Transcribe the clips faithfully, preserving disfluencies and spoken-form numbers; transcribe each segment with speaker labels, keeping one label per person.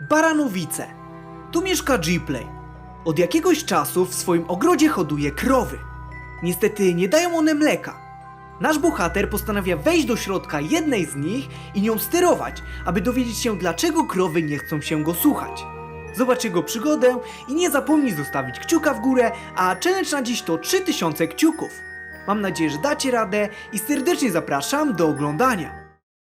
Speaker 1: Baranowice. Tu mieszka Gplay. Od jakiegoś czasu w swoim ogrodzie hoduje krowy. Niestety nie dają one mleka. Nasz bohater postanawia wejść do środka jednej z nich i nią sterować, aby dowiedzieć się, dlaczego krowy nie chcą się go słuchać. Zobacz jego przygodę i nie zapomnij zostawić kciuka w górę, a challenge na dziś to trzy tysiące kciuków. Mam nadzieję, że dacie radę i serdecznie zapraszam do oglądania.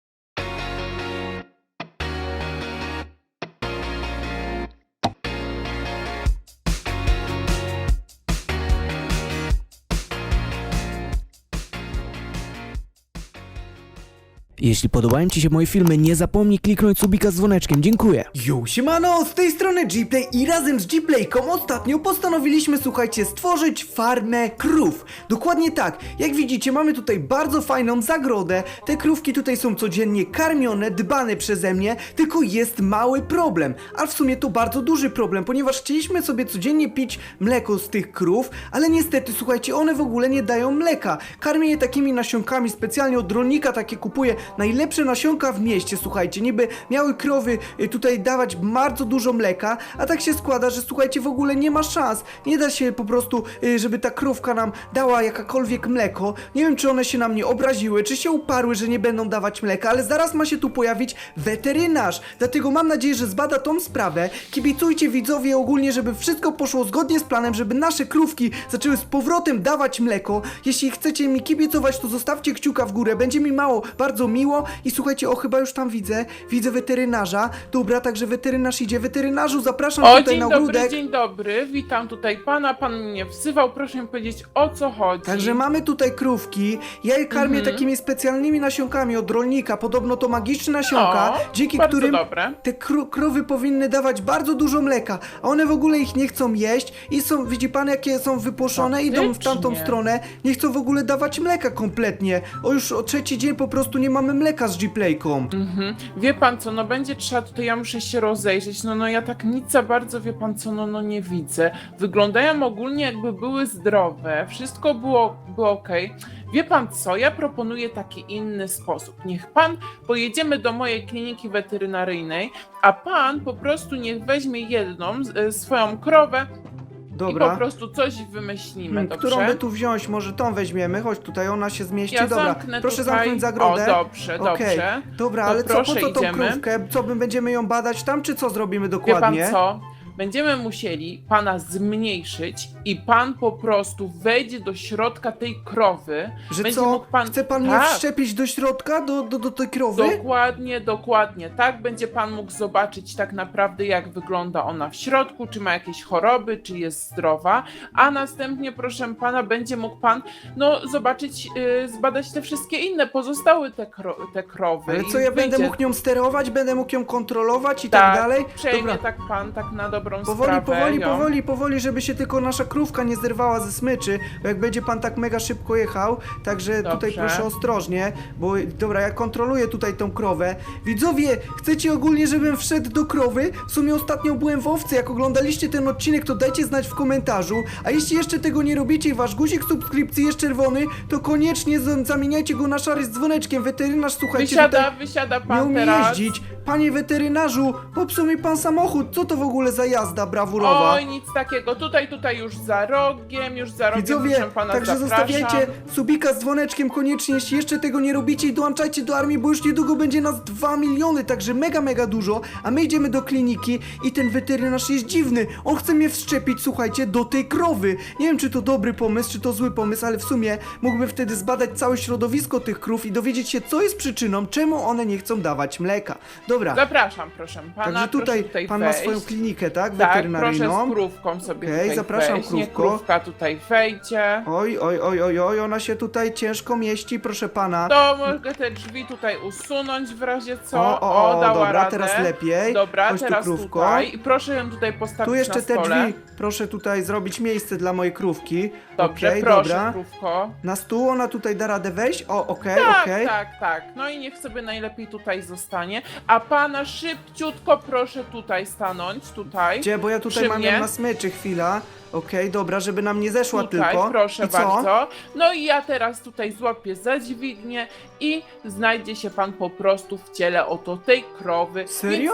Speaker 2: Jeśli podobają Ci się moje filmy, nie zapomnij kliknąć subika z dzwoneczkiem, dziękuję.
Speaker 1: Yo, siemano, z tej strony Gplay i razem z Gplayką ostatnio postanowiliśmy, słuchajcie, stworzyć farmę krów. Dokładnie tak, jak widzicie, mamy tutaj bardzo fajną zagrodę, te krówki tutaj są codziennie karmione, dbane przeze mnie, tylko jest mały problem, a w sumie to bardzo duży problem, ponieważ chcieliśmy sobie codziennie pić mleko z tych krów, ale niestety, słuchajcie, one w ogóle nie dają mleka. Karmię je takimi nasionkami, specjalnie od rolnika takie kupuję, najlepsze nasionka w mieście, słuchajcie, niby miały krowy y, tutaj dawać bardzo dużo mleka, a tak się składa, że słuchajcie, w ogóle nie ma szans, nie da się po prostu, y, żeby ta krówka nam dała jakakolwiek mleko. Nie wiem, czy one się na mnie obraziły, czy się uparły, że nie będą dawać mleka, ale zaraz ma się tu pojawić weterynarz, dlatego mam nadzieję, że zbada tą sprawę. Kibicujcie widzowie ogólnie, żeby wszystko poszło zgodnie z planem, żeby nasze krówki zaczęły z powrotem dawać mleko. Jeśli chcecie mi kibicować, to zostawcie kciuka w górę, będzie mi mało, bardzo miło. I słuchajcie, o, chyba już tam widzę, widzę weterynarza. Dobra, także weterynarz idzie. Weterynarzu, zapraszam
Speaker 3: O,
Speaker 1: tutaj
Speaker 3: dzień
Speaker 1: na
Speaker 3: dobry,
Speaker 1: ogródek.
Speaker 3: dzień dobry, witam tutaj pana, pan mnie wzywał, proszę mi powiedzieć, o co chodzi.
Speaker 1: Także mamy tutaj krówki, ja je karmię
Speaker 3: Mhm.
Speaker 1: takimi specjalnymi nasionkami od rolnika, podobno to magiczne nasionka,
Speaker 3: O,
Speaker 1: dzięki
Speaker 3: bardzo
Speaker 1: którym
Speaker 3: dobre.
Speaker 1: te kró krowy powinny dawać bardzo dużo mleka, a one w ogóle ich nie chcą jeść i są, widzi pan, jakie są wypłoszone, idą w tamtą
Speaker 3: Faktycznie.
Speaker 1: stronę, nie chcą w ogóle dawać mleka kompletnie. O, już o trzeci dzień po prostu nie mamy mleka z Gplayką.
Speaker 3: Mhm. Wie pan co, no będzie trzeba tutaj, ja muszę się rozejrzeć, no no ja tak nic za bardzo, wie pan co, no no nie widzę. Wyglądają ogólnie jakby były zdrowe, wszystko było, było okej. Wie pan co, ja proponuję taki inny sposób. Niech pan pojedziemy do mojej kliniki weterynaryjnej, a pan po prostu niech weźmie jedną e, swoją krowę i po
Speaker 1: Dobra.
Speaker 3: prostu coś wymyślimy,
Speaker 1: Hmm,
Speaker 3: dobrze?
Speaker 1: którą by tu wziąć? Może tą weźmiemy, chodź tutaj, ona się zmieści.
Speaker 3: Ja
Speaker 1: Dobra,
Speaker 3: zamknę
Speaker 1: proszę
Speaker 3: tutaj.
Speaker 1: zamknąć zagrodę.
Speaker 3: O, dobrze,
Speaker 1: Okej.
Speaker 3: dobrze.
Speaker 1: Dobra,
Speaker 3: To
Speaker 1: ale co, po
Speaker 3: proszę,
Speaker 1: co tą
Speaker 3: idziemy.
Speaker 1: krówkę? Co, my będziemy ją badać tam, czy co zrobimy
Speaker 3: Wie
Speaker 1: dokładnie?
Speaker 3: pan co? Będziemy musieli pana zmniejszyć i pan po prostu wejdzie do środka tej krowy.
Speaker 1: Że
Speaker 3: Będzie
Speaker 1: co,
Speaker 3: mógł pan...
Speaker 1: chce pan mnie
Speaker 3: Tak.
Speaker 1: wszczepić do środka, do, do, do tej krowy?
Speaker 3: Dokładnie, dokładnie. Tak będzie pan mógł zobaczyć tak naprawdę, jak wygląda ona w środku, czy ma jakieś choroby, czy jest zdrowa, a następnie, proszę pana, będzie mógł pan no, zobaczyć, yy, zbadać te wszystkie inne, pozostałe te, kro te krowy.
Speaker 1: Ale
Speaker 3: i
Speaker 1: co, ja będę
Speaker 3: wyjdzie-
Speaker 1: mógł nią sterować, będę mógł ją kontrolować i tak,
Speaker 3: Tak,
Speaker 1: dalej?
Speaker 3: przejmie
Speaker 1: Dobra,
Speaker 3: tak pan, tak na dobrą
Speaker 1: powoli,
Speaker 3: sprawę.
Speaker 1: powoli,
Speaker 3: ją.
Speaker 1: powoli, powoli, żeby się tylko nasza krówka nie zerwała ze smyczy, bo jak będzie pan tak mega szybko jechał, także tutaj
Speaker 3: Dobrze.
Speaker 1: proszę ostrożnie, bo dobra, ja kontroluję tutaj tą krowę. Widzowie, chcecie ogólnie, żebym wszedł do krowy? W sumie ostatnio byłem w owcy, jak oglądaliście ten odcinek, to dajcie znać w komentarzu, a jeśli jeszcze tego nie robicie i wasz guzik subskrypcji jest czerwony, to koniecznie z- zamieniajcie go na szary z dzwoneczkiem. Weterynarz, słuchajcie,
Speaker 3: Wysiada,
Speaker 1: tutaj
Speaker 3: wysiada
Speaker 1: nie
Speaker 3: pan
Speaker 1: umie
Speaker 3: teraz.
Speaker 1: jeździć. Panie weterynarzu, popsuł mi pan samochód, co to w ogóle za jazda brawurowa?
Speaker 3: Oj, nic takiego. Tutaj, tutaj już za rogiem, już za rogiem,
Speaker 1: Widzowie,
Speaker 3: proszę pana,
Speaker 1: także
Speaker 3: zapraszam.
Speaker 1: zostawiajcie subika z dzwoneczkiem koniecznie, jeśli jeszcze tego nie robicie i dołączajcie do armii, bo już niedługo będzie nas dwa miliony, także mega, mega dużo, a my idziemy do kliniki i ten weterynarz jest dziwny, on chce mnie wszczepić, słuchajcie, do tej krowy. Nie wiem, czy to dobry pomysł, czy to zły pomysł, ale w sumie mógłbym wtedy zbadać całe środowisko tych krów i dowiedzieć się, co jest przyczyną, czemu one nie chcą dawać mleka. Dobra,
Speaker 3: Zapraszam, proszę pana.
Speaker 1: także tutaj,
Speaker 3: proszę tutaj
Speaker 1: pan
Speaker 3: wejść.
Speaker 1: ma swoją klinikę, tak,
Speaker 3: Tak,
Speaker 1: weterynaryjną?
Speaker 3: proszę z krówką sobie
Speaker 1: Okej,
Speaker 3: tutaj
Speaker 1: zapraszam,
Speaker 3: wejść. Niech
Speaker 1: krówko.
Speaker 3: krówka tutaj wejdzie.
Speaker 1: Oj, oj, oj, oj, oj, ona się tutaj ciężko mieści, proszę pana.
Speaker 3: To mogę te drzwi tutaj usunąć w razie co.
Speaker 1: O, o, o,
Speaker 3: dała
Speaker 1: dobra,
Speaker 3: radę.
Speaker 1: teraz lepiej.
Speaker 3: Dobra,
Speaker 1: Chodź tu,
Speaker 3: teraz
Speaker 1: krówko.
Speaker 3: tutaj. I proszę ją tutaj postawić
Speaker 1: Tu jeszcze
Speaker 3: na
Speaker 1: te
Speaker 3: stole.
Speaker 1: drzwi, proszę tutaj zrobić miejsce dla mojej krówki.
Speaker 3: Dobrze,
Speaker 1: Okej,
Speaker 3: proszę,
Speaker 1: dobra.
Speaker 3: krówko.
Speaker 1: Na stół ona tutaj da radę wejść? O, okej,
Speaker 3: Tak,
Speaker 1: okej.
Speaker 3: tak, tak. No i niech sobie najlepiej tutaj zostanie. A pana szybciutko proszę tutaj stanąć, tutaj.
Speaker 1: Gdzie, bo ja tutaj
Speaker 3: Przy
Speaker 1: mam
Speaker 3: mnie.
Speaker 1: ją na smyczy, chwila. Okej, dobra, żeby nam nie zeszła
Speaker 3: Tutaj,
Speaker 1: tylko.
Speaker 3: proszę
Speaker 1: I co?
Speaker 3: bardzo. No i ja teraz tutaj złapię za dźwignię i znajdzie się pan po prostu w ciele oto tej krowy.
Speaker 1: Serio?
Speaker 3: Więc co,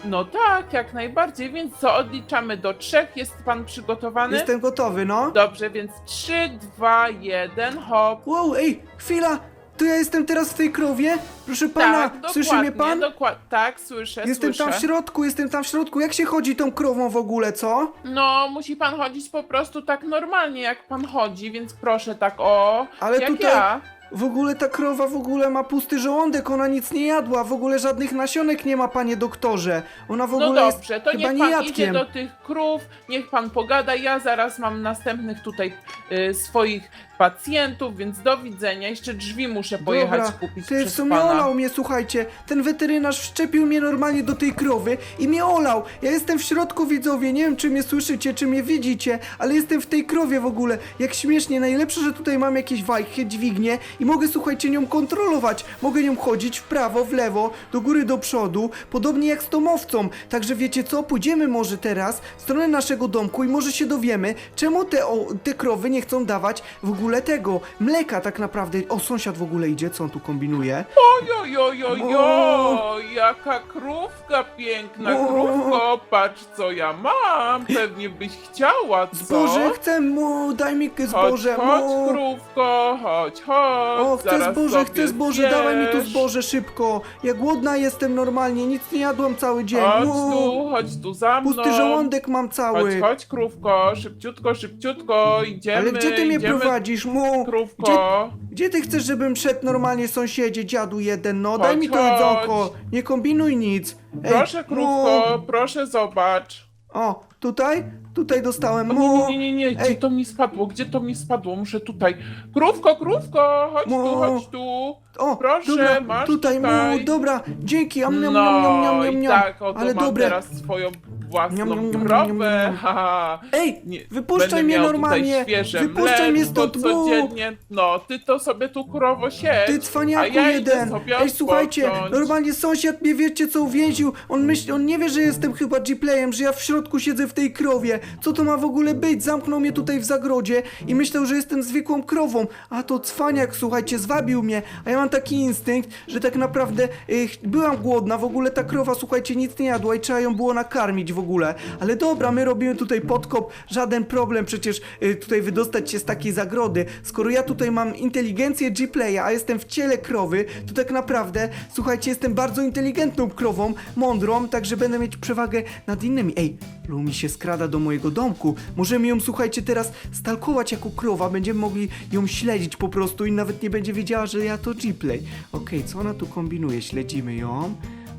Speaker 3: No tak, jak najbardziej, więc co, odliczamy do trzech, jest pan przygotowany?
Speaker 1: Jestem gotowy, no.
Speaker 3: Dobrze, więc trzy, dwa, jeden, hop.
Speaker 1: Wow, ej, chwila! To ja jestem teraz w tej krowie? Proszę pana,
Speaker 3: Tak,
Speaker 1: słyszy mnie
Speaker 3: dokładnie,
Speaker 1: pan?
Speaker 3: dokład- tak, słyszę,
Speaker 1: Jestem
Speaker 3: słyszę.
Speaker 1: tam w środku, jestem tam w środku. Jak się chodzi tą krową w ogóle, co?
Speaker 3: No, musi pan chodzić po prostu tak normalnie, jak pan chodzi, więc proszę tak, o,
Speaker 1: Ale
Speaker 3: jak
Speaker 1: tutaj
Speaker 3: ja.
Speaker 1: w ogóle ta krowa w ogóle ma pusty żołądek, ona nic nie jadła, w ogóle żadnych nasionek nie ma, panie doktorze. Ona w
Speaker 3: No
Speaker 1: ogóle
Speaker 3: dobrze,
Speaker 1: jest
Speaker 3: to
Speaker 1: chyba
Speaker 3: niech pan idzie
Speaker 1: niejadkiem.
Speaker 3: do tych krów, niech pan pogada, ja zaraz mam następnych tutaj y, swoich pacjentów, więc do widzenia, jeszcze drzwi muszę pojechać
Speaker 1: Dobra,
Speaker 3: kupić
Speaker 1: ty w
Speaker 3: przez
Speaker 1: sumie
Speaker 3: pana.
Speaker 1: olał mnie, słuchajcie. Ten weterynarz wszczepił mnie normalnie do tej krowy i mnie olał. Ja jestem w środku, widzowie, nie wiem czy mnie słyszycie, czy mnie widzicie, ale jestem w tej krowie w ogóle. Jak śmiesznie, najlepsze, że tutaj mam jakieś wajchy, dźwignię i mogę, słuchajcie, nią kontrolować. Mogę nią chodzić w prawo, w lewo, do góry, do przodu, podobnie jak z tomowcą. Także wiecie co, pójdziemy może teraz w stronę naszego domku i może się dowiemy, czemu te, o, te krowy nie chcą dawać w ogóle tego mleka tak naprawdę. O, sąsiad w ogóle idzie, co on tu kombinuje?
Speaker 3: Ojojojojo, jaka krówka piękna,
Speaker 1: O.
Speaker 3: krówko, patrz co ja mam, pewnie byś chciała, co?
Speaker 1: Zboże, chcę mu, daj mi
Speaker 3: Chodź,
Speaker 1: zboże,
Speaker 3: chodź
Speaker 1: mu.
Speaker 3: krówko, chodź, chodź,
Speaker 1: O, chcę
Speaker 3: zaraz
Speaker 1: zboże,
Speaker 3: sobie
Speaker 1: chcę zboże, dawaj mi tu
Speaker 3: zjesz.
Speaker 1: zboże szybko. Ja głodna jestem normalnie, nic nie jadłam cały dzień.
Speaker 3: Chodź
Speaker 1: Mu.
Speaker 3: tu, chodź tu za mną.
Speaker 1: Pusty żołądek mam
Speaker 3: Chodź,
Speaker 1: cały.
Speaker 3: chodź krówko, szybciutko, szybciutko, idziemy,
Speaker 1: Ale gdzie ty mnie
Speaker 3: idziemy,
Speaker 1: prowadzisz, mu? Gdzie,
Speaker 3: krówko.
Speaker 1: gdzie ty chcesz, żebym szedł normalnie, sąsiedzie, dziadu jeden, no?
Speaker 3: Chodź,
Speaker 1: Daj mi to
Speaker 3: chodź.
Speaker 1: jedzonko, nie kombinuj nic. Ej,
Speaker 3: Proszę
Speaker 1: mu.
Speaker 3: krówko, proszę zobacz.
Speaker 1: O, tutaj? Tutaj dostałem,
Speaker 3: O,
Speaker 1: mu.
Speaker 3: nie, nie, nie, nie, gdzie
Speaker 1: Ej.
Speaker 3: to mi spadło? Gdzie to mi spadło? Muszę tutaj. Krówko, krówko, chodź
Speaker 1: Mu.
Speaker 3: tu, chodź tu.
Speaker 1: O,
Speaker 3: Proszę,
Speaker 1: dobra,
Speaker 3: masz
Speaker 1: tutaj,
Speaker 3: tutaj.
Speaker 1: mu, dobra, dzięki, am, niam,
Speaker 3: No
Speaker 1: niam, niam, niam, niam,
Speaker 3: i
Speaker 1: niam.
Speaker 3: tak, oto
Speaker 1: Ale
Speaker 3: mam
Speaker 1: dobre.
Speaker 3: teraz swoją własną
Speaker 1: Niam, niam, niam, niam,
Speaker 3: krowę.
Speaker 1: niam, niam.
Speaker 3: Haha.
Speaker 1: Ej,
Speaker 3: Nie,
Speaker 1: wypuszczaj
Speaker 3: będę
Speaker 1: mnie
Speaker 3: miał
Speaker 1: normalnie,
Speaker 3: Tutaj świeże
Speaker 1: wypuszczaj mnie
Speaker 3: mleczko
Speaker 1: stąd, bu.
Speaker 3: codziennie. No, ty to sobie tu krowo siedź.
Speaker 1: Ty
Speaker 3: a
Speaker 1: cwaniaku
Speaker 3: ja idę
Speaker 1: jeden!
Speaker 3: sobie
Speaker 1: Ej, słuchajcie,
Speaker 3: odpocząć.
Speaker 1: normalnie sąsiad mnie wiecie co uwięził. On myśli, on nie wie, że jestem chyba G-playem, że ja w środku siedzę w tej krowie. Co to ma w ogóle być? Zamknął mnie tutaj w zagrodzie i myślał, że jestem zwykłą krową. A to cwaniak, słuchajcie, zwabił mnie. A ja mam taki instynkt, że tak naprawdę y, ch- byłam głodna. W ogóle ta krowa, słuchajcie, nic nie jadła i trzeba ją było nakarmić w ogóle. Ale dobra, my robimy tutaj podkop, żaden problem przecież y, tutaj wydostać się z takiej zagrody. Skoro ja tutaj mam inteligencję G-playa, a jestem w ciele krowy, to tak naprawdę, słuchajcie, jestem bardzo inteligentną krową, mądrą, także będę mieć przewagę nad innymi. Ej, Lumi się skrada do mojego domku. Możemy ją, słuchajcie, teraz stalkować jako krowa, będziemy mogli ją śledzić po prostu i nawet nie będzie wiedziała, że ja to G-play. Okej, co ona tu kombinuje? Śledzimy ją.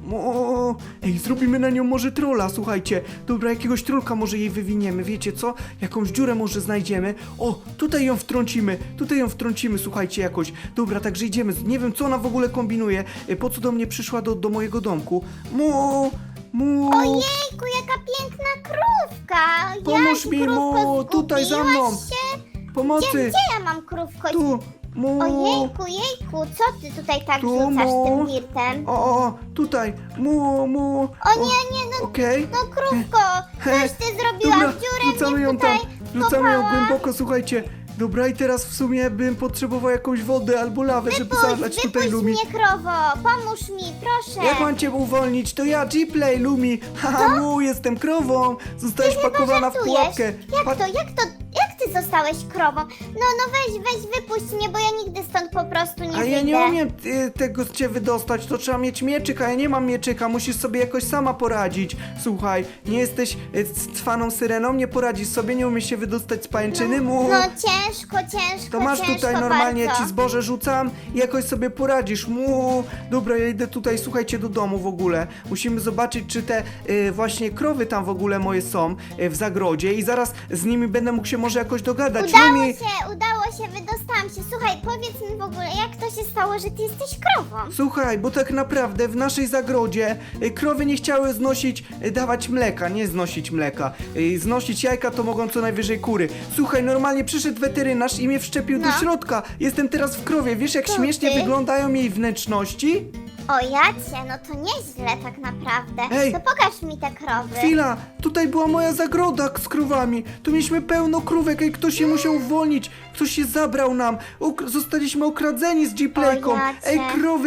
Speaker 1: O, ej, zrobimy na nią może trolla, słuchajcie. Dobra, jakiegoś trolka może jej wywiniemy, wiecie co? Jakąś dziurę może znajdziemy. O, tutaj ją wtrącimy, tutaj ją wtrącimy, słuchajcie, jakoś. Dobra, także idziemy. Nie wiem, co ona w ogóle kombinuje. E, Po co do mnie przyszła do, do mojego domku? Mu, mu.
Speaker 4: Ojejku, jaka piękna krówka!
Speaker 1: Pomóż
Speaker 4: Jasiu,
Speaker 1: mi,
Speaker 4: krówko,
Speaker 1: mu, tutaj za mną.
Speaker 4: zgubiłaś się? Gdzie,
Speaker 1: Pomocy.
Speaker 4: gdzie ja mam krówko?
Speaker 1: Tu, mu.
Speaker 4: Ojejku, jejku, co ty tutaj tak
Speaker 1: Tu,
Speaker 4: rzucasz
Speaker 1: mu.
Speaker 4: tym wirtem?
Speaker 1: O, o, tutaj, mu, mu.
Speaker 4: O nie, nie, no,
Speaker 1: Okej.
Speaker 4: no krówko, coś ty zrobiłaś,
Speaker 1: Dobra,
Speaker 4: dziurę
Speaker 1: rzucamy
Speaker 4: mnie
Speaker 1: ją
Speaker 4: tutaj
Speaker 1: tam, rzucamy ją
Speaker 4: kopała.
Speaker 1: głęboko, słuchajcie. Dobra, i teraz w sumie bym potrzebował jakąś wodę albo lawę, żeby zalać
Speaker 4: Wypuść,
Speaker 1: tutaj
Speaker 4: wypuść
Speaker 1: Lumi.
Speaker 4: mnie, krowo, pomóż mi, proszę.
Speaker 1: Jak mam cię uwolnić? To ja, G-Play, Lumi. Haha, mu, jestem krową. Zostałeś pakowana w
Speaker 4: Żartujesz?
Speaker 1: pułapkę.
Speaker 4: Jak
Speaker 1: Pa-
Speaker 4: to, jak to, jak ty zostałeś krową? No, no weź, weź, wypuść mnie, bo ja nigdy stąd po prostu nie
Speaker 1: A ja nie
Speaker 4: wyjdę.
Speaker 1: umiem y, tego z cię wydostać, to trzeba mieć mieczyk, a ja nie mam mieczyka, musisz sobie jakoś sama poradzić. Słuchaj, nie jesteś y, cwaną syreną, nie poradzisz sobie, nie umiesz się wydostać z pajęczyny, mu.
Speaker 4: No ciężko, ciężko,
Speaker 1: To masz
Speaker 4: ciężko
Speaker 1: tutaj normalnie,
Speaker 4: bardzo.
Speaker 1: ci zboże rzucam i jakoś sobie poradzisz. Mu. Dobra, ja idę tutaj, słuchajcie, do domu w ogóle. Musimy zobaczyć, czy te y, właśnie krowy tam w ogóle moje są y, w zagrodzie i zaraz z nimi będę mógł się może jakoś dogadać.
Speaker 4: Udało
Speaker 1: Lumi,
Speaker 4: się, udało się, wydostałam się. Słuchaj, powiedz mi w ogóle, jak to się stało, że ty jesteś krową?
Speaker 1: słuchaj, bo tak naprawdę w naszej zagrodzie y, krowy nie chciały znosić, y, dawać mleka, nie znosić mleka. Y, znosić jajka to mogą co najwyżej kury. Słuchaj, normalnie przyszedł weterynarz i mnie wszczepił do
Speaker 4: No.
Speaker 1: środka. Jestem teraz w krowie. Wiesz, jak
Speaker 4: To
Speaker 1: śmiesznie
Speaker 4: ty?
Speaker 1: wyglądają jej wnętrzności?
Speaker 4: O jacie, no to nieźle tak naprawdę.
Speaker 1: Ej.
Speaker 4: To pokaż mi te krowy.
Speaker 1: Chwila, tutaj była moja zagroda z krowami. Tu mieliśmy pełno krówek i ktoś się musiał uwolnić. Ktoś się zabrał nam. Uk- zostaliśmy okradzeni z G-Playką.
Speaker 4: O jacie.
Speaker 1: Ej, krowy,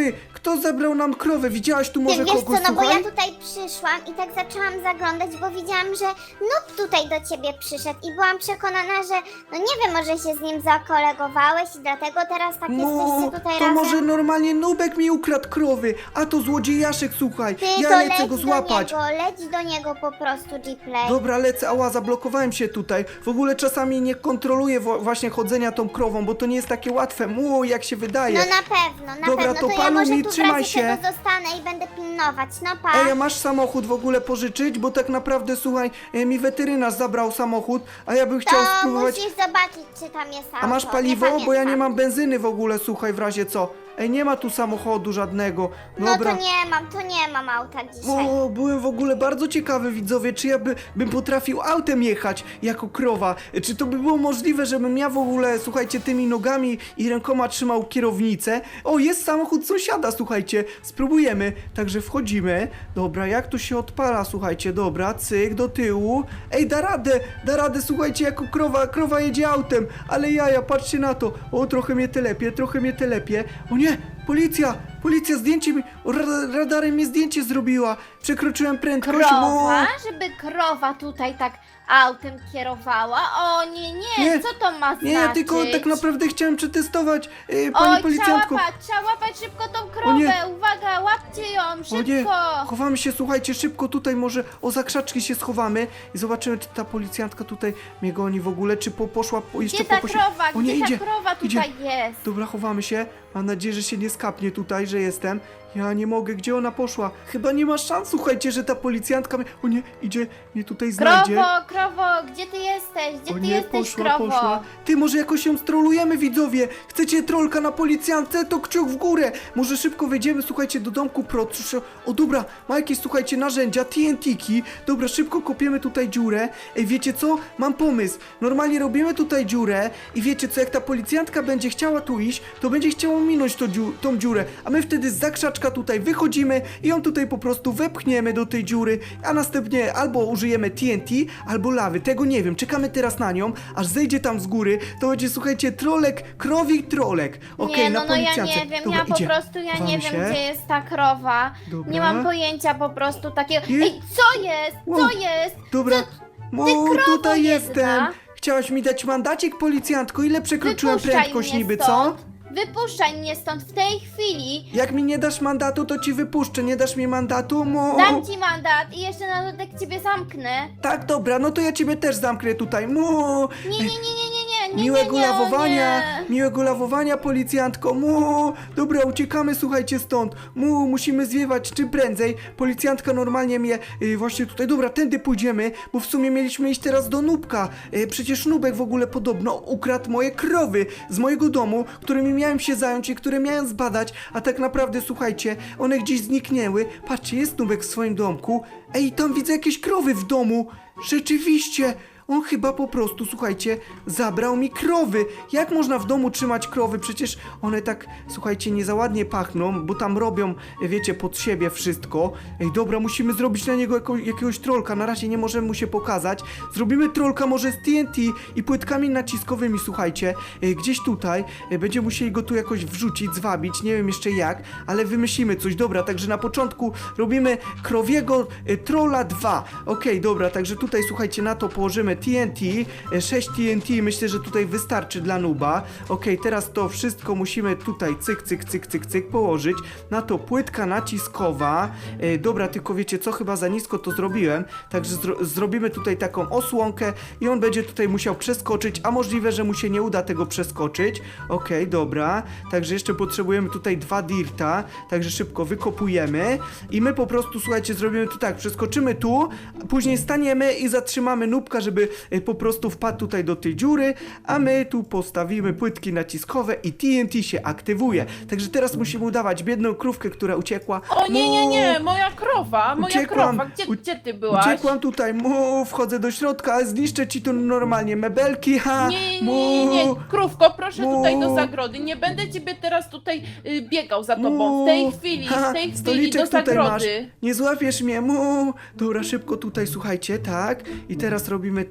Speaker 1: kto zebrał nam krowę? Widziałaś tu
Speaker 4: Ty
Speaker 1: może
Speaker 4: wiesz co,
Speaker 1: kogoś,
Speaker 4: no bo
Speaker 1: słuchaj?
Speaker 4: ja tutaj przyszłam i tak zaczęłam zaglądać, bo widziałam, że Noob tutaj do ciebie przyszedł i byłam przekonana, że no nie wiem, może się z nim zakolegowałeś i dlatego teraz tak
Speaker 1: No,
Speaker 4: jesteście tutaj
Speaker 1: to
Speaker 4: razem.
Speaker 1: może normalnie Nubek mi ukradł krowy, a to złodziejaszek, słuchaj.
Speaker 4: Ty
Speaker 1: Ja
Speaker 4: to
Speaker 1: lecę
Speaker 4: leć
Speaker 1: go
Speaker 4: do
Speaker 1: złapać.
Speaker 4: niego, leć do niego po prostu, Gplay.
Speaker 1: Dobra, lecę, ała, zablokowałem się tutaj. W ogóle czasami nie kontroluję wo- właśnie chodzenia tą krową, bo to nie jest takie łatwe, mu, jak się wydaje.
Speaker 4: No na pewno, na
Speaker 1: Dobra,
Speaker 4: pewno,
Speaker 1: to
Speaker 4: to, ja
Speaker 1: paluj
Speaker 4: może
Speaker 1: mi,
Speaker 4: tu w
Speaker 1: trzymaj
Speaker 4: razie
Speaker 1: się.
Speaker 4: czego zostanę i będę pilnować, no pa.
Speaker 1: Ej, a masz samochód w ogóle pożyczyć? Bo tak naprawdę, słuchaj, e, mi weterynarz zabrał samochód, a ja bym chciał
Speaker 4: To
Speaker 1: spróbować...
Speaker 4: musisz zobaczyć, czy tam jest auto.
Speaker 1: A masz
Speaker 4: nie
Speaker 1: paliwo? Bo ja nie
Speaker 4: pamiętam.
Speaker 1: mam benzyny w ogóle, słuchaj, w razie co. Ej, nie ma tu samochodu żadnego.
Speaker 4: No
Speaker 1: Dobra.
Speaker 4: to nie mam, to nie mam auta dzisiaj.
Speaker 1: O, byłem w ogóle bardzo ciekawy, widzowie, czy ja by, bym potrafił autem jechać jako krowa. Czy to by było możliwe, żebym ja w ogóle, słuchajcie, tymi nogami i rękoma trzymał kierownicę? O, jest samochód sąsiada, słuchajcie, spróbujemy. Także wchodzimy. Dobra, jak tu się odpala, słuchajcie, dobra, cyk, do tyłu. Ej, da radę, da radę, słuchajcie, jako krowa, krowa jedzie autem. Ale jaja, patrzcie na to. O, trochę mnie telepie, trochę mnie telepie. O nie, policja, policja, zdjęcie mi, ra- radarem mi zdjęcie zrobiła. Przekroczyłem prędkość.
Speaker 5: Krowa?
Speaker 1: O,
Speaker 5: Żeby krowa tutaj tak autem kierowała? O nie, nie,
Speaker 1: Nie,
Speaker 5: co to ma znaczyć?
Speaker 1: nie, ja tylko tak naprawdę chciałem przetestować, yy, pani
Speaker 5: Oj,
Speaker 1: policjantko.
Speaker 5: trzeba łapać, trzeba łapać szybko tą krowę,
Speaker 1: nie.
Speaker 5: uwaga, łapcie ją,
Speaker 1: O nie,
Speaker 5: szybko!
Speaker 1: chowamy się, słuchajcie, szybko tutaj może o zakrzaczki się schowamy i zobaczymy, czy ta policjantka tutaj mnie goni w ogóle, czy po, poszła po, jeszcze
Speaker 5: Gdzie ta
Speaker 1: po posi-
Speaker 5: krowa,
Speaker 1: O nie,
Speaker 5: gdzie
Speaker 1: idzie,
Speaker 5: ta krowa
Speaker 1: idzie.
Speaker 5: tutaj jest?
Speaker 1: Dobra, chowamy się. Mam nadzieję, że się nie skapnie tutaj, że jestem. Ja nie mogę, gdzie ona poszła? Chyba nie ma szans, słuchajcie, że ta policjantka mnie... O nie, idzie, mnie tutaj znajdzie.
Speaker 5: Krowo, krowo, gdzie ty jesteś? Gdzie
Speaker 1: O
Speaker 5: ty
Speaker 1: nie,
Speaker 5: jesteś,
Speaker 1: poszła,
Speaker 5: krowo?
Speaker 1: poszła. Ty, może jakoś ją strolujemy, widzowie. Chcecie trolka na policjantce? To kciuk w górę. Może szybko wejdziemy, słuchajcie, do domku proszę. O, dobra, ma jakieś, słuchajcie, narzędzia, T N T-ki. Dobra, szybko kopiemy tutaj dziurę. Ej, wiecie co? Mam pomysł. Normalnie robimy tutaj dziurę i wiecie co, jak ta policjantka będzie chciała tu iść, to będzie chciała minąć to dziu tą dziurę, a my wtedy z zakrzaczka tutaj wychodzimy i ją tutaj po prostu wepchniemy do tej dziury, a następnie albo użyjemy T N T, albo lawy. Tego nie wiem. Czekamy teraz na nią, aż zejdzie tam z góry. To będzie, słuchajcie, trolek, krowi trolek. Okej,
Speaker 5: nie, no,
Speaker 1: na
Speaker 5: no ja
Speaker 1: policjance.
Speaker 5: nie wiem,
Speaker 1: Dobra,
Speaker 5: ja po
Speaker 1: idzie.
Speaker 5: prostu, ja
Speaker 1: Chowamy
Speaker 5: nie wiem,
Speaker 1: się.
Speaker 5: gdzie jest ta krowa.
Speaker 1: Dobra.
Speaker 5: Nie mam pojęcia po prostu takiego...
Speaker 1: Nie?
Speaker 5: Ej, co jest?
Speaker 1: Wow.
Speaker 5: Co jest?
Speaker 1: Dobra. Mu,
Speaker 5: krowo
Speaker 1: tutaj
Speaker 5: jedna.
Speaker 1: jestem. Chciałaś mi dać mandacik, policjantko? Ile przekroczyłem
Speaker 5: Wypuszczaj
Speaker 1: prędkość
Speaker 5: mnie
Speaker 1: niby, co?
Speaker 5: stąd. Wypuszczaj mnie stąd w tej chwili.
Speaker 1: Jak mi nie dasz mandatu, to ci wypuszczę. Nie dasz mi mandatu? Mu.
Speaker 5: Dam ci mandat i jeszcze na dodatek ciebie zamknę.
Speaker 1: Tak, dobra, no to ja ciebie też zamknę tutaj. Mu.
Speaker 5: Nie, nie, nie, nie, nie, nie, nie,
Speaker 1: Miłego
Speaker 5: nie, nie, o
Speaker 1: lawowania,
Speaker 5: nie.
Speaker 1: miłego lawowania, policjantko. Mu. Dobra, uciekamy, słuchajcie, stąd. Mu, musimy zwiewać czym prędzej. Policjantka normalnie mnie y, właśnie tutaj. Dobra, tędy pójdziemy, bo w sumie mieliśmy iść teraz do Nubka. Y, przecież Nubek w ogóle podobno ukradł moje krowy z mojego domu, którymi miałem się zająć i które miałem zbadać, a tak naprawdę, słuchajcie, one gdzieś zniknęły. Patrzcie, jest Nubek w swoim domku. Ej, tam widzę jakieś krowy w domu. Rzeczywiście. On chyba po prostu, słuchajcie, zabrał mi krowy. Jak można w domu trzymać krowy? Przecież one tak, słuchajcie, nie za ładnie pachną, bo tam robią, wiecie, pod siebie wszystko. Ej, dobra, musimy zrobić na niego jako, jakiegoś trolka. Na razie nie możemy mu się pokazać. Zrobimy trolka może z T N T i płytkami naciskowymi, słuchajcie. Ej, gdzieś tutaj. Ej, będziemy musieli go tu jakoś wrzucić, zwabić. Nie wiem jeszcze jak, ale wymyślimy coś. Dobra, także na początku robimy krowiego e, trolla dwa. Okej, dobra, także tutaj, słuchajcie, na to położymy T N T, e, sześć T N T, myślę, że tutaj wystarczy dla nuba. Okej, teraz to wszystko musimy tutaj cyk, cyk, cyk, cyk, cyk położyć. Na to płytka naciskowa. E, dobra, tylko wiecie co, chyba za nisko to zrobiłem, także zro zrobimy tutaj taką osłonkę i on będzie tutaj musiał przeskoczyć, a możliwe, że mu się nie uda tego przeskoczyć. Okej, dobra, także jeszcze potrzebujemy tutaj dwa dirta, także szybko wykopujemy i my po prostu, słuchajcie, zrobimy tu tak, przeskoczymy tu, później staniemy i zatrzymamy nubka, żeby e, po prostu wpadł tutaj do tej dziury, a my tu postawimy płytki naciskowe i T N T się aktywuje. Także teraz musimy udawać biedną krówkę, która uciekła.
Speaker 3: O nie, nie, nie,
Speaker 1: Mu,
Speaker 3: moja krowa, moja
Speaker 1: Uciekłam.
Speaker 3: krowa, gdzie,
Speaker 1: U-
Speaker 3: gdzie ty byłaś?
Speaker 1: Uciekłam tutaj, mu, wchodzę do środka, zniszczę ci tu normalnie mebelki, ha,
Speaker 3: Nie,
Speaker 1: mu,
Speaker 3: nie, nie, nie, krówko, proszę
Speaker 1: mu.
Speaker 3: tutaj do zagrody, nie będę ciebie teraz tutaj y, biegał za tobą,
Speaker 1: mu,
Speaker 3: w tej chwili,
Speaker 1: ha,
Speaker 3: w tej chwili
Speaker 1: stoliczek
Speaker 3: do
Speaker 1: tutaj masz,
Speaker 3: zagrody.
Speaker 1: nie złapiesz mnie, mu, dobra, szybko tutaj, słuchajcie, tak, i teraz robimy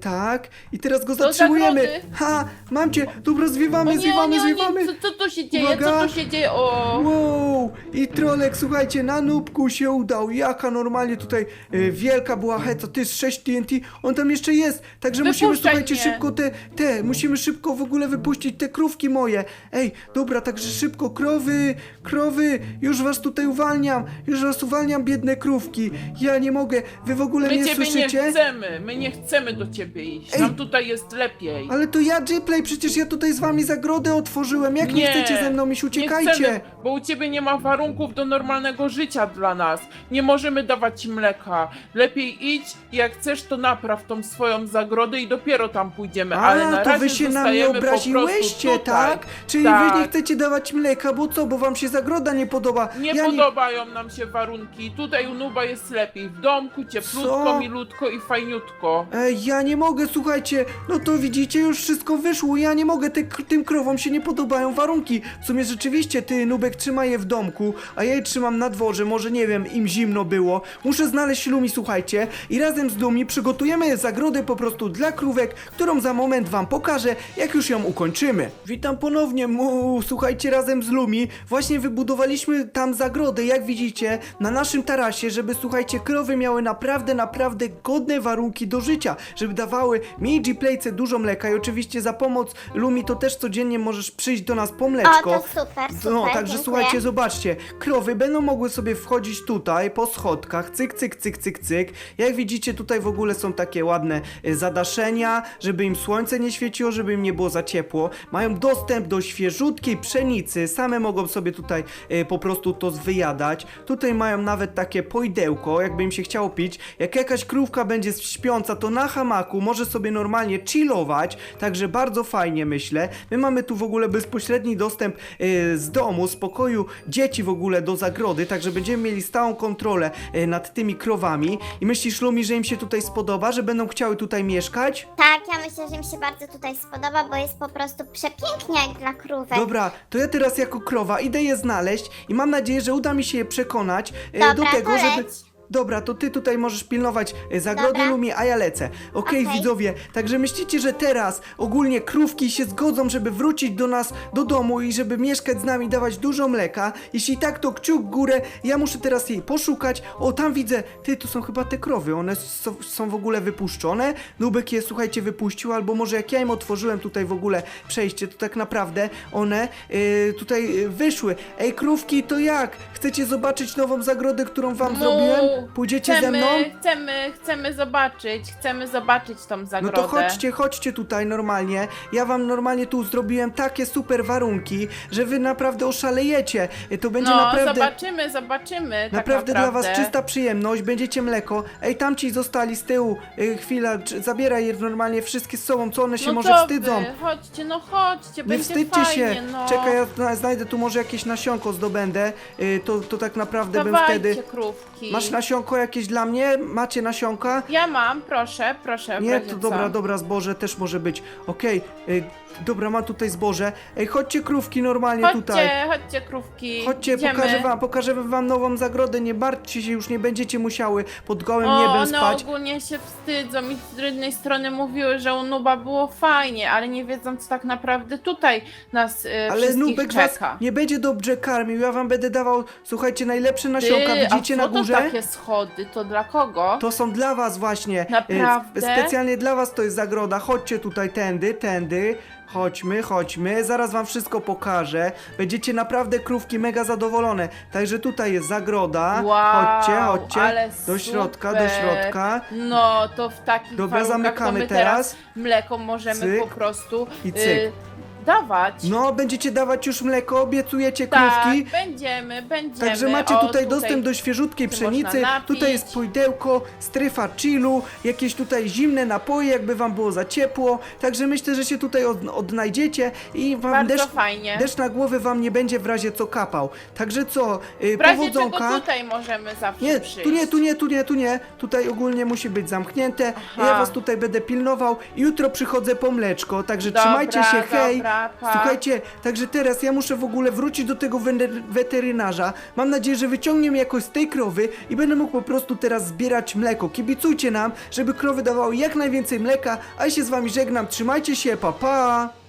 Speaker 1: tak. I teraz go
Speaker 5: Do
Speaker 1: zatrzymujemy.
Speaker 5: zagrody.
Speaker 1: Ha, mam cię. Dobra,
Speaker 5: O
Speaker 1: zwiewamy,
Speaker 5: nie, o
Speaker 1: zwiewamy,
Speaker 5: nie, o
Speaker 1: zwiewamy.
Speaker 5: nie, co, co tu się dzieje,
Speaker 1: Uwaga.
Speaker 5: co tu się dzieje, o...
Speaker 1: Wow! I Trolek, słuchajcie, na nubku się udał. Jaka normalnie tutaj e, wielka była heca. Ty z sześć T N T, on tam jeszcze jest. Także musimy,
Speaker 5: Wypuszczaj
Speaker 1: słuchajcie,
Speaker 5: mnie.
Speaker 1: szybko te, te, musimy szybko w ogóle wypuścić te krówki moje. Ej, dobra, także szybko, krowy, krowy, już was tutaj uwalniam. Już was uwalniam, biedne krówki. Ja nie mogę, wy w ogóle
Speaker 3: My
Speaker 1: nie
Speaker 3: ciebie
Speaker 1: słyszycie?
Speaker 3: nie chcemy, my nie chcemy do ciebie iść.
Speaker 1: Ej.
Speaker 3: Nam tutaj jest lepiej.
Speaker 1: Ale to ja, Gplay, przecież ja tutaj z wami zagrodę otworzyłem. Jak nie, chcecie ze mną iść,
Speaker 3: Nie
Speaker 1: uciekajcie.
Speaker 3: chcemy, bo u ciebie nie ma warunków do normalnego życia dla nas. Nie możemy dawać ci mleka. Lepiej idź i jak chcesz, to napraw tą swoją zagrodę i dopiero tam pójdziemy. Ale na
Speaker 1: A, to
Speaker 3: razie
Speaker 1: wy się na mnie
Speaker 3: zostajemy po prostu
Speaker 1: obraziłyście,
Speaker 3: tutaj.
Speaker 1: tak? Czyli
Speaker 3: Tak.
Speaker 1: wy nie chcecie dawać mleka, bo co, bo wam się zagroda nie podoba.
Speaker 3: Nie
Speaker 1: ja
Speaker 3: podobają nam się warunki. Tutaj u Nuba jest lepiej. W domku cieplutko,
Speaker 1: Co?
Speaker 3: milutko i fajniutko.
Speaker 1: Ej, ja nie mogę, słuchajcie, no to widzicie, już wszystko wyszło, ja nie mogę, te, tym krowom się nie podobają warunki. W sumie rzeczywiście, ty, Nubek, trzymaj je w domku, a ja je trzymam na dworze, może nie wiem, im zimno było. Muszę znaleźć Lumi, słuchajcie, i razem z Lumi przygotujemy zagrodę po prostu dla krówek, którą za moment wam pokażę, jak już ją ukończymy. Witam ponownie, mu, słuchajcie, razem z Lumi właśnie wybudowaliśmy tam zagrodę, jak widzicie, na naszym tarasie, żeby, słuchajcie, krowy miały naprawdę, naprawdę godne warunki do życia, żeby dawały mi i Gplayce dużo mleka i oczywiście za pomoc Lumi to też codziennie możesz przyjść do nas po mleczko.
Speaker 4: O, to super, super,
Speaker 1: No, także
Speaker 4: dziękuję.
Speaker 1: słuchajcie, zobaczcie, krowy będą mogły sobie wchodzić tutaj po schodkach, cyk, cyk, cyk, cyk, cyk. Jak widzicie, tutaj w ogóle są takie ładne e, zadaszenia, żeby im słońce nie świeciło, żeby im nie było za ciepło. Mają dostęp do świeżutkiej pszenicy, same mogą sobie tutaj e, po prostu to wyjadać. Tutaj mają nawet takie pojdełko, jakby im się chciało pić. Jak jakaś krówka będzie śpiąca, to na hamaku może sobie normalnie chillować, także bardzo fajnie, myślę. My mamy tu w ogóle bezpośredni dostęp e, z domu, z pokoju dzieci w ogóle do zagrody, także będziemy mieli stałą kontrolę e, nad tymi krowami. I myślisz, Lumi, że im się tutaj spodoba, że będą chciały tutaj mieszkać?
Speaker 4: Tak, ja myślę, że mi się bardzo tutaj spodoba, bo jest po prostu przepięknie jak dla krówek.
Speaker 1: Dobra, to ja teraz jako krowa idę je znaleźć i mam nadzieję, że uda mi się je przekonać e,
Speaker 4: Dobra,
Speaker 1: do tego,
Speaker 4: to
Speaker 1: żeby...
Speaker 4: leć.
Speaker 1: Dobra, to ty tutaj możesz pilnować e, zagrody,
Speaker 4: Dobra.
Speaker 1: Lumi, a ja lecę. Okej,
Speaker 4: Okej.
Speaker 1: widzowie, także myślicie, że teraz ogólnie krówki się zgodzą, żeby wrócić do nas, do domu i żeby mieszkać z nami, dawać dużo mleka? Jeśli tak, to kciuk w górę, ja muszę teraz jej poszukać. O, tam widzę, ty, to są chyba te krowy, one są, są w ogóle wypuszczone. Nubek je, słuchajcie, wypuścił, albo może jak ja im otworzyłem tutaj w ogóle przejście, to tak naprawdę one y, tutaj y, wyszły. Ej, krówki, to jak? Chcecie zobaczyć nową zagrodę, którą wam
Speaker 5: Mu,
Speaker 1: zrobiłem? Pójdziecie
Speaker 5: chcemy,
Speaker 1: ze mną?
Speaker 5: Chcemy, chcemy zobaczyć, chcemy zobaczyć tą
Speaker 1: No
Speaker 5: zagrodę.
Speaker 1: to chodźcie, chodźcie tutaj normalnie. Ja wam normalnie tu zrobiłem takie super warunki, że wy naprawdę oszalejecie. To będzie
Speaker 5: No,
Speaker 1: naprawdę...
Speaker 5: zobaczymy, zobaczymy.
Speaker 1: Naprawdę
Speaker 5: tak
Speaker 1: dla was
Speaker 5: naprawdę.
Speaker 1: czysta przyjemność, będziecie mleko. Ej, tamci zostali z tyłu. Y, chwila, czy- zabieraj je normalnie wszystkie z sobą, co one się
Speaker 5: no
Speaker 1: może
Speaker 5: to
Speaker 1: wstydzą.
Speaker 5: Wy, chodźcie, no chodźcie,
Speaker 1: Nie
Speaker 5: będzie
Speaker 1: wstydźcie
Speaker 5: fajnie,
Speaker 1: się.
Speaker 5: no.
Speaker 1: Czekaj, ja zna- znajdę tu może jakieś nasionko zdobędę. Y, to, to tak naprawdę bym
Speaker 5: Dawajcie,
Speaker 1: wtedy...
Speaker 5: krówki.
Speaker 1: Masz nasionko jakieś dla mnie? Macie nasionka?
Speaker 5: Ja mam, proszę, proszę. w
Speaker 1: Nie,
Speaker 5: razie
Speaker 1: to
Speaker 5: co.
Speaker 1: dobra, dobra, zboże też może być. Okej, y, dobra, mam tutaj zboże. Ej, chodźcie krówki normalnie
Speaker 5: Chodźcie,
Speaker 1: tutaj.
Speaker 5: chodźcie, krówki.
Speaker 1: Chodźcie,
Speaker 5: Idziemy.
Speaker 1: pokażę wam, pokażę wam nową zagrodę, nie martwcie się, już nie będziecie musiały pod gołym
Speaker 5: O,
Speaker 1: niebem
Speaker 5: one
Speaker 1: spać.
Speaker 5: ogólnie się wstydzą i z jednej strony mówiły, że u Nuba było fajnie, ale nie wiedzą, co tak naprawdę tutaj nas y,
Speaker 1: Ale
Speaker 5: wszystkich
Speaker 1: Nubek was
Speaker 5: czeka.
Speaker 1: nie będzie dobrze karmił, ja wam będę dawał, słuchajcie, najlepsze nasionka,
Speaker 5: Ty,
Speaker 1: widzicie
Speaker 5: a
Speaker 1: na
Speaker 5: co
Speaker 1: górze?
Speaker 5: to takie schody? To dla kogo?
Speaker 1: To są dla was właśnie. e,
Speaker 5: Naprawdę?
Speaker 1: Specjalnie dla was to jest zagroda. Chodźcie tutaj tędy, tędy. Chodźmy, chodźmy. Zaraz wam wszystko pokażę. Będziecie naprawdę krówki mega zadowolone. Także tutaj jest zagroda.
Speaker 5: Wow,
Speaker 1: chodźcie, chodźcie.
Speaker 5: ale
Speaker 1: Do środka,
Speaker 5: super.
Speaker 1: do środka.
Speaker 5: No, to w takich
Speaker 1: Dobra,
Speaker 5: warunkach
Speaker 1: zamykamy
Speaker 5: to my
Speaker 1: teraz.
Speaker 5: teraz mleko możemy
Speaker 1: Cyk.
Speaker 5: po prostu
Speaker 1: I
Speaker 5: y,
Speaker 1: cyk.
Speaker 5: dawać.
Speaker 1: No, będziecie dawać już mleko, obiecujecie
Speaker 5: tak,
Speaker 1: krówki.
Speaker 5: będziemy, będziemy.
Speaker 1: Także macie
Speaker 5: O,
Speaker 1: tutaj dostęp do świeżutkiej
Speaker 5: się
Speaker 1: pszenicy,
Speaker 5: można napić.
Speaker 1: tutaj jest pojdełko, strefa chillu, jakieś tutaj zimne napoje, jakby wam było za ciepło, także myślę, że się tutaj od, odnajdziecie i wam
Speaker 5: Bardzo
Speaker 1: deszcz,
Speaker 5: fajnie.
Speaker 1: deszcz na głowę wam nie będzie w razie co kapał. Także co, yy,
Speaker 5: W razie
Speaker 1: powodzonka.
Speaker 5: czego tutaj możemy zawsze
Speaker 1: Nie,
Speaker 5: przyjść.
Speaker 1: tu nie, tu nie, tu nie, tu nie. Tutaj ogólnie musi być zamknięte.
Speaker 5: Aha.
Speaker 1: Ja was tutaj będę pilnował. Jutro przychodzę po mleczko, także
Speaker 5: Dobra,
Speaker 1: trzymajcie się, hej.
Speaker 5: dobra. Nara, pa.
Speaker 1: Słuchajcie, także teraz ja muszę w ogóle wrócić do tego wene- weterynarza. Mam nadzieję, że wyciągnie mnie jakoś z tej krowy i będę mógł po prostu teraz zbierać mleko. Kibicujcie nam, żeby krowy dawały jak najwięcej mleka, a ja się z wami żegnam. Trzymajcie się, pa pa!